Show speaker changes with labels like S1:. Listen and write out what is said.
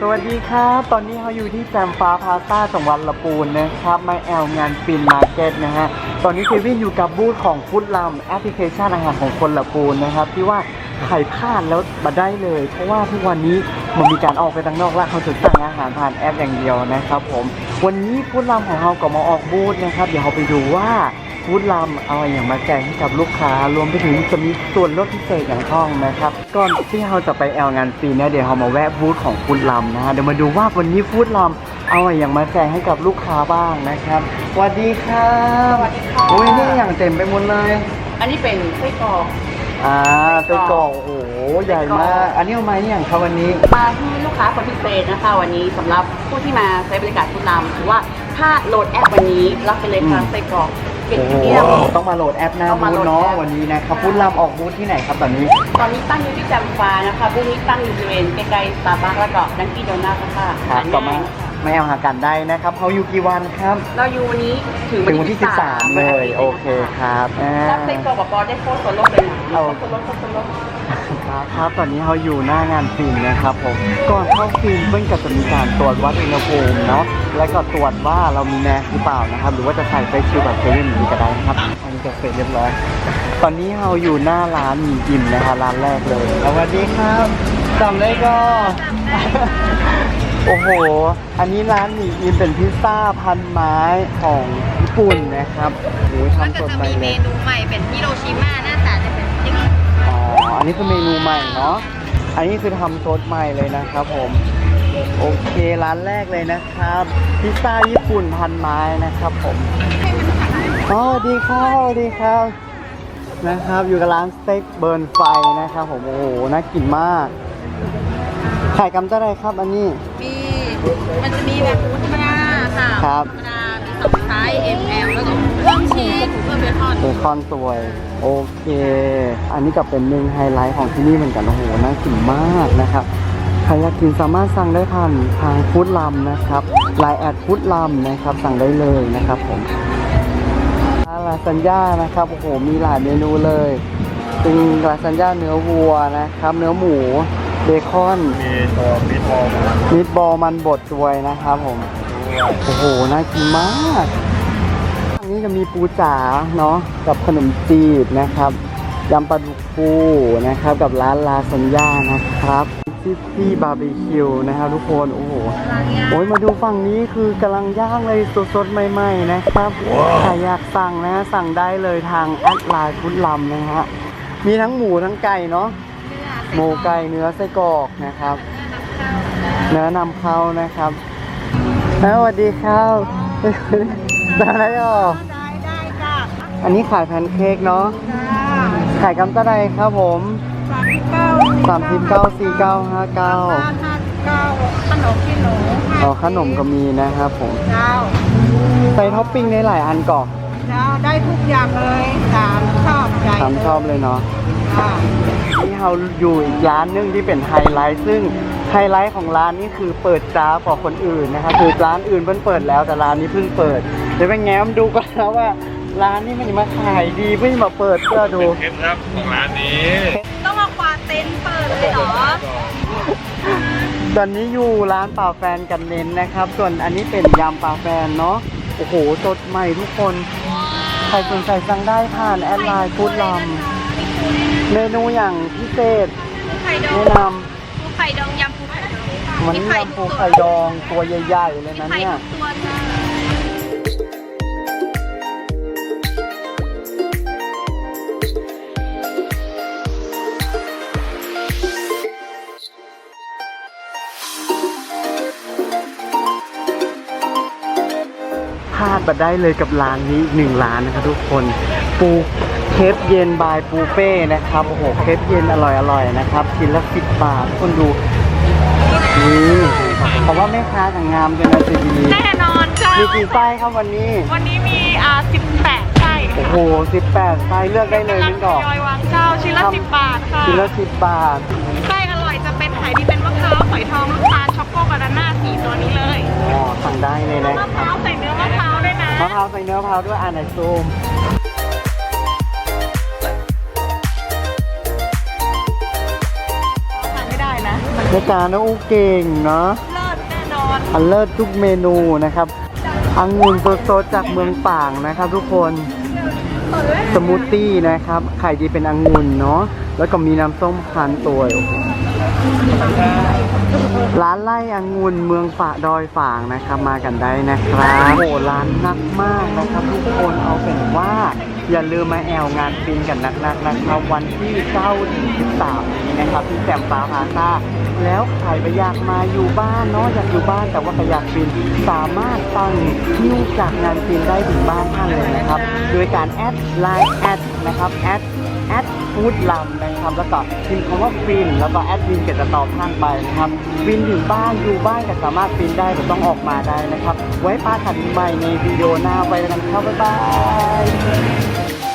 S1: วัสดีครับตอนนี้เราอยู่ที่แจมฟ้าพาซ่าจังหวัดลำพูนนะครับมาแอลงานฟินมาร์เก็ตนะฮะตอนนี้เควินอยู่กับบูธของฟู้ดลัมแอปพลิเคชันอาหารของคนลำพูนนะครับที่ว่าใครพลาดแล้วมาได้เลยเพราะว่าทุกวันนี้มันมีการออกไปข้างนอกแล้วเขาจะสั่งอาหารผ่านแอปอย่างเดียวนะครับผมวันนี้ฟู้ดลัมของเราก็มาออกบูธนะครับเดี๋ยวเราไปดูว่าฟู้ดลัมเอาอย่างมาแจกให้กับลูกค้ารวมไปถึงจะมีส่วนลดพิเศษอย่างห้องนะครับก่อนที่เราจะไปแอลงานฟรีเนี่ยเดี๋ยวเรามาแวะบูธของฟู้ดลัมนะฮะเดี๋ยวมาดูว่าวันนี้ฟู้ดลัมเอาอย่างมาแจกให้กับลูกค้าบ้างนะครับสวัสดีครับ
S2: สวัสดีค่ะ
S1: โอ้ยนี่อย่างเต็มไปหมดเลย
S2: อันนี้เป็นไส้กรอก
S1: ไส้กรอกโอ้โหใหญ่มากอันนี้เอามาอย่างครับวันนี้
S2: มาที่ลูกค้าคนพิเศษนะคะวันนี้สำหรับผู้ที่มาใช้บริการฟู้ดลัมถือว่าถ้าโหลดแอปวันนี้รับไปเลยค่ะไส้กรอกเป็นเดียว
S1: ต้องมาโหลดแอปหน้าบูธเนาะวันนี้นะครับฟู้ดลัมออกบูธที่ไหนครับตอนนี้
S2: ตั้งอยู่ที่แจมฟ้านะคะบูธนี้ตั้งอยู่บริเวณใกล้ๆสตาร์บัคแล้วก็ดังกี้โดนัทค่ะ
S1: ครับต่อมาไม่เอาหากันได้นะครับเขาอยู่กี่วันครับ
S2: เราอยู่วันนี้ถึง
S1: วันที่13เลยโอเคครับ
S2: รับไส้กรอกกับปอได้โค้ดส่วนลดเลยนะโค้ดส่วนลด
S1: ครับตอนนี้เราอยู่หน้างานฟิล์มนะครับผมก่อนเข้าฟิล์มเพิ่งจะมีการตรวจวัดอุณหภูมิเนาะแล้วก็ตรวจว่าเรามีแมสหรือเปล่านะครับหรือว่าจะใส่เฟซชิลแบบเซเว่นดีก็ได้นะครับอันนี้จะเสร็จเรียบร้อยตอนนี้เราอยู่หน้าร้านหมี่อิ่มนะคะร้านแรกเลยสวัสดีครับจำได้ก็โอ้โหอันนี้ร้านหมี่อิ่มเป็นพิซซ่าพันไม้ของญี่ปุ่นนะครับโอ้ยทำสดใหม่เลย
S3: เมนูใหม่เป็นฮิโรชิมาหน้าตาจะเป็นยังไง
S1: อันนี้คือเมนูใหม่เนาะอันนี้คือทำซดใหม่เลยนะครับผมโอเคร้านแรกเลยนะครับพิซซ่าญี่ปุ่นพันไม้นะครับผมสวัสดีครับสวัสดีครับนะครับอยู่กับร้านสเต็กเบิร์นไฟนะครับผมโอ้โหน่ากินมากขายกำเท่าไรครับอันนี้
S3: มันจะมีแบบธรรมดาค่ะ
S1: ครับ
S3: ธรรมดามี2ไซส์ ML แล้วก็เพิ่มชีสเพิ่มเบคอน
S1: สวยโอเคอันนี้ก็เป็นหนึ่งไฮไลท์ของที่นี่เหมือนกันโอ้โหน่ากินมากนะครับใครอยากกินสามารถสั่งได้ผ่านทางฟู้ดลัมนะครับไลน์แอดฟู้ดลัมนะครับสั่งได้เลยนะครับผมลาซานญ่านะครับโอ้โหมีหลายเมนูเลยเป็นลาซานญ่าเนื้อวัวนะครับเนื้อหมูเบคอนมีทบอลมันบดด้วยนะครับผมโอ้โหน่ากินมากอันนี้จะมีปูจ๋าเนาะกับขนมจีบนะครับยำปลาดุกฟูนะครับกับร้านลาซานญ่านะครับที่บาร์บีคิวนะครับทุกคนโอ้โหมาดูฝั่งนี้คือกำลังย่างเลยสดๆใหม่ๆนะครับใครอยากสั่งนะสั่งได้เลยทางแอดไลน์ฟู้ดลัมนะฮะมีทั้งหมูทั้งไก่เนาะหมูไก่เนื้อไส้กรอกนะครับเนื้อนำเข้านะครับสวัสดีครับได้จ้ะอันนี้ขายแพนเค้กเนาะขายกำเท่าไรครับผม39 49 59
S3: ขนมที่หนู
S1: ขนมก็มีนะครับผมใส่ท็อปปิ้งได้หลายอันก่อน
S3: ได้ทุกอย่างเลยตามชอบใจ
S1: ชอบเลยเนาะนี่เราอยู่อีกร้านนึงที่เป็นไฮไลท์ซึ่งไฮไลท์ของร้านนี้คือเปิดจ้ากว่าคนอื่นนะครับคือร้านอื่นเพิ่งเปิดแล้วแต่ร้านนี้เพิ่งเปิดเดี๋ยวไปแง้มดูกันนะว่าร้านนี้มันมาขายดีเพิ่งมาเปิดเพื่อดู
S4: เคล็ดลับของร้านนี้
S3: ต้องมาควาเต็นเปิดเลยเหรอ
S1: ตอนนี้อยู่ร้านป่าแฟนกันเน้นนะครับส่วนอันนี้เป็นยำป่าแฟนเนาะโอ้โหสดใหม่ทุกคนใครสนใจสั่งได้ผ่านแอดไลน์ฟู้ดลัมเมนูอย่างพิเศษแนะน
S3: ำปูไข่ดองยำปูไข่ดอง
S1: มันยำปูไข่ดองตัวใหญ่ๆเลยนะเนี่ยพลาดมาได้เลยกับร้านนี้อีก1ร้านนะครับทุกคนปูเคฟเย็นบายปูเป้นะครับโอ้โหเคฟเย็นอร่อยนะครับชิ้นละ10 บาทคนดูนี่เพราะว่าแม่ค้าต่างงามจนนาทีดี
S3: แน่นอนค่ะ
S1: มีกี่ไส้ครับวันนี้
S3: มี18ไส้
S1: โอ้โห18ไส้เลือกได้เลยมิ้นก่อน
S3: วางเจ้าชิ้นละ10 บาทค่ะ
S1: ชิ้นละ10 บาท
S3: ไส้อร่อยจะเป็นไข่ที่เป็นมะพร้าวฝอยทองลูกตาลช็อกโกบานาน่า4ตัวนี้เลย
S1: สั่งได้เลยนะ
S3: มะพร้าวใส่เนื้อมะพร้าวด้วยนะ
S1: มะพร้าวใส่เนื้อมะพร้าวด้วยไหนซูม
S3: ทานไม่ได้นะ
S1: ในการนะอู้เก่งเนาะ
S3: เลิ
S1: อันเลิศทุกเมนูนะครับองุ่นสดๆจากเมืองป่างนะครับทุกคนสมูทตี้นะครับไข่ดีเป็นองุ่นเนาะแล้วก็มีน้ำส้มคั้นตัวร้านไร่องุ่นเมืองฝาดอยฝางนะครับมากันได้นะครับโอ้ร้านนักมากนะครับทุกคนเอาเป็นว่าอย่าลืมมาแอลงานฟินกันนักๆนะครับวันที่9 ถึง 13 นี้นะครับที่แซมฟ้าพาซ่าแล้วใครไปอยากมาอยู่บ้านเนาะอยากอยู่บ้านแต่ว่าไปอยากฟินสามารถตั้งคิวจากงานฟินได้ถึงบ้านท่านเลยนะครับโดยการแอดไลน์แอดนะครับแอดฟู้ดลัมนะครับแล้วก็พิมพ์คำว่าฟินแล้วก็แอดมินก็จะตอบท่านไปนะครับฟินถึงบ้านอยู่บ้านก็สามารถฟินได้แต่ต้องออกมาได้นะครับไว้ป้าขันใหม่ในวิดีโอหน้าไปกันครับบ๊ายบาย